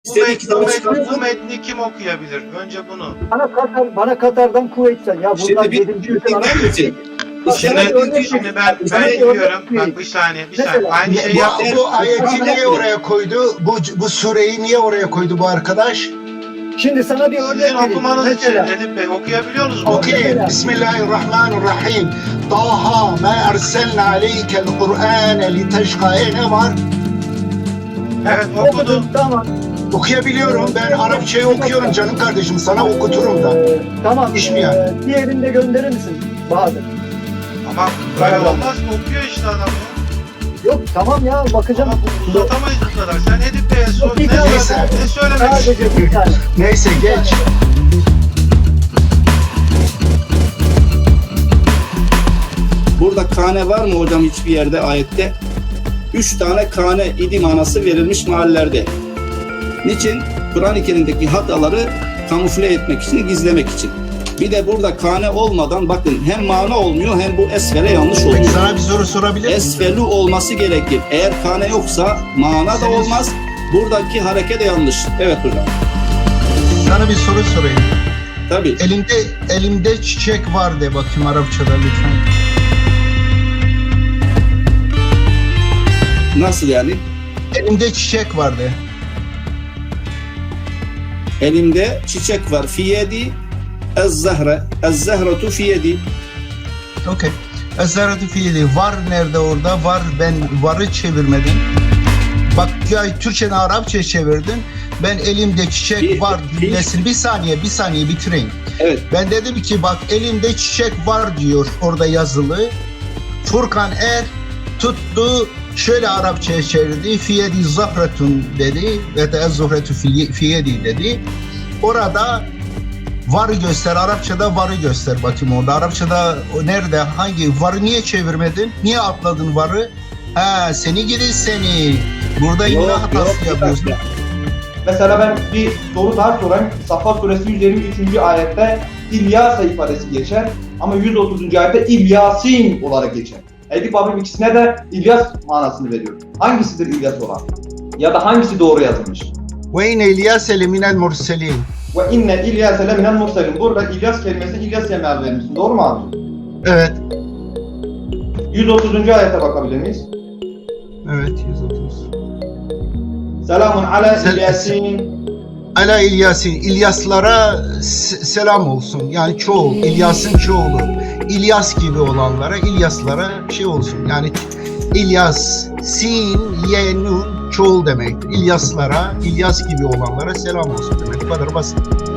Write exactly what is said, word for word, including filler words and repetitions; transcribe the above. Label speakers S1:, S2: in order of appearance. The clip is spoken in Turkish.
S1: Bu,
S2: İstediği
S1: met, bu,
S2: kitabı
S1: met,
S2: çıkartın.
S1: bu metni kim okuyabilir? Önce bunu.
S3: Bana Katar, bana Katar'dan kuvvetsen ya buradan
S2: Şimdi bir
S3: yedinci ülke arar
S2: dinler
S3: mısın?
S2: misin?
S3: Bak,
S2: Şimdi,
S3: sana bir örnek
S1: Şimdi, şimdi ben, ben
S3: Sana bir örnek
S1: diyorum. Bak
S3: vereyim.
S1: bir saniye, bir
S3: Mesela,
S1: saniye. Aynı
S3: ne-
S1: şeyi
S4: Bu,
S1: yaptı.
S4: bu ayeti niye oraya koydu? Bu, bu sureyi niye oraya koydu bu arkadaş?
S3: Şimdi sana bir örnek
S1: Sizin
S3: vereyim.
S1: okumanız için
S3: Mesela,
S1: Edip Bey okuyabiliyor musunuz?
S4: Okuyun. Bismillahirrahmanirrahim. Taha ma erselna aleykel Kur'ane liteşka. E ne var?
S1: Evet okudum.
S3: okudum, tamam.
S4: Okuyabiliyorum. Ben Arapçayı okuyorum canım kardeşim. Sana okuturum da.
S3: Ee, tamam.
S4: İş mi yani?
S3: Ee, diğerini de gönderir misin Bahadır?
S1: Ama böyle olmaz mı? Okuyor işte adam ya.
S3: Yok tamam ya bakacağım.
S1: Ama bu uzatamayız bu kadar. Sen Edip Bey'e sor. Ne,
S3: Neyse.
S1: söyle- ne söylemek
S3: Sadece
S1: istiyorsun?
S3: bir tane.
S4: Neyse geç.
S2: burada kane var mı hocam hiçbir yerde ayette? Üç tane kane idi manası verilmiş mahallelerde. Niçin? Kur'an-ı Kerim'deki hataları kamufle etmek için, gizlemek için. Bir de burada kane olmadan bakın hem mana olmuyor hem bu esfere yanlış
S4: Peki
S2: oluyor.
S4: sana bir soru sorabilir miyim?
S2: Esfelu olması gerekir. Eğer kane yoksa mana da
S4: Senin-
S2: olmaz. Buradaki hareket de yanlış. Evet hocam.
S4: Sana bir soru sorayım.
S2: Tabii.
S4: Elimde elimde çiçek var de bakayım Arapçada lütfen.
S2: Nasıl yani?
S4: Elimde çiçek var de.
S2: Elimde çiçek var. Fiyedi ez-zahre. Ez-zahretu fiyedi.
S4: Okey. Esaratu fiili. Var nerede orada? Var, ben varı çevirmedim. Bak ya Türkçe'den Arapça çevirdin. Ben elimde çiçek
S2: Bir-
S4: var
S2: bir-
S4: cümlesini bir saniye bir saniye bitireyim.
S2: Evet.
S4: Ben dedim ki bak elimde çiçek var diyor orada yazılı. Furkan Er tuttu şöyle Arapçaya çevirdi. Fiyedi zahretun dedi ve de zuhretu fiyedi dedi. Orada varı göster. Arapçada varı göster bakayım orada. Arapçada o nerede? Hangi? Varı niye çevirmedin? Niye atladın varı? Ha seni gidi seni. Burada imla
S2: Yok,
S4: hatası
S2: yok, bir
S4: yapıyorsun.
S2: dakika.
S5: Mesela ben bir soru daha sorayım. Safa suresi yüz yirmi üçüncü ayette İlyasa ifadesi geçer ama yüz otuzuncu ayette İlyasin olarak geçer. Edip abim ikisine de İlyas manasını veriyor. Hangisidir İlyas olan? Ya da hangisi doğru yazılmış?
S4: Ve inne İlyase leminel murselin.
S5: Ve inne İlyase leminen murselin. Burada İlyas kelimesini İlyas'e meal vermişsin. Doğru mu abi?
S4: Evet.
S5: yüz otuzuncu ayete bakabilir miyiz?
S4: Evet yüz otuz.
S5: Selamun ala
S4: Sel-
S5: İlyasin.
S4: Ala İlyasin, İlyaslara s- selam olsun. Yani çoğul, İlyas'ın çoğulu. İlyas gibi olanlara, İlyaslara şey olsun. Yani İlyas, Sin, Ye, Nun çoğul demektir. İlyaslara, İlyas gibi olanlara selam olsun demek. Bu kadar basit.